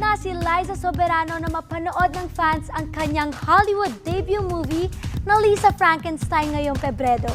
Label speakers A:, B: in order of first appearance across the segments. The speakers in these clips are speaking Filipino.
A: na si Liza Soberano na mapanood ng fans ang kanyang Hollywood debut movie na Lisa Frankenstein ngayong Pebrero.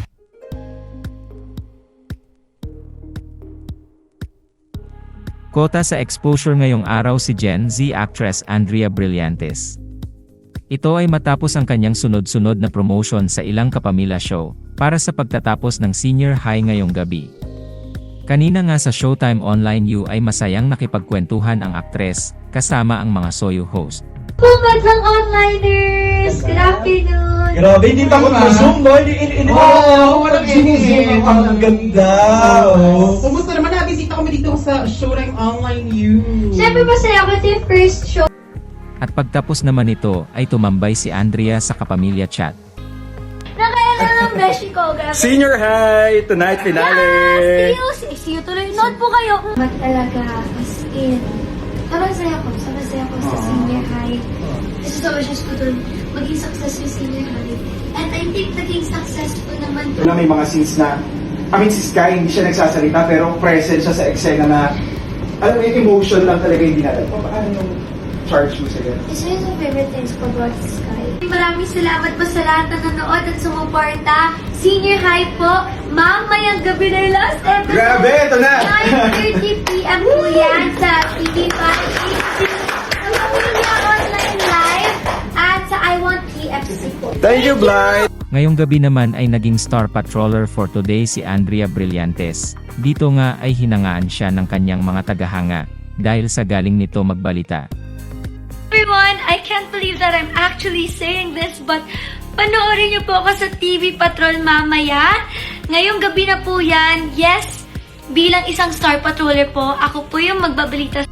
B: Kota sa exposure ngayong araw si Gen Z actress Andrea Brillantes. Ito ay matapos ang kanyang sunod-sunod na promotion sa ilang kapamilya show para sa pagtatapos ng senior high ngayong gabi. Kanina nga sa Showtime Online U ay masayang nakipagkwentuhan ang aktres kasama ang mga Soyu host.
A: Magandang onliners! Good afternoon!
C: Grabe, hindi takot ma-zoom, no? Hindi
D: walang
C: zoom. Ang ganda.
D: Kumusta naman? Nabisita kami dito sa Showtime Online U.
A: Siyempre masaya ako, ito yung first show.
B: At pagtapos naman nito ay tumambay si Andrea sa kapamilya chat.
A: Nakailan ng beshi ko, grabe.
C: Senior high, tonight finale.
A: See you tuloy. Nood po kayo.
E: Talaga, as in, sobrang saya ko sa senior high. Kasi sa wishes ko dun, maging successful senior high. And I think naging successful naman
F: Na may mga scenes na, si Sky hindi siya nagsasalita pero present siya sa eksena na, alam mo yung emotion lang talaga hindi natin. Paano yung charge mo sa ganun?
E: It's one of my favorite things for God Sky.
A: Maraming salamat po sa lahat na nanood at sumuporta. Senior high po, mamayang gabi na yung last episode.
F: Grabe, ito na!
A: 9:30 p.m. po yan sa TV5. Ang Pamilya Online Live at sa I Want KFC po.
C: Thank you, Blythe.
B: Ngayong gabi naman ay naging star patroller for today si Andrea Brillantes. Dito nga ay hinangaan siya ng kanyang mga tagahanga dahil sa galing nito magbalita.
A: Everyone, I can't believe that I'm actually saying this, but panoorin niyo po ako sa TV Patrol mamaya. Ngayong gabi na po yan. Yes, bilang isang star patroller po, ako po yung magbabalita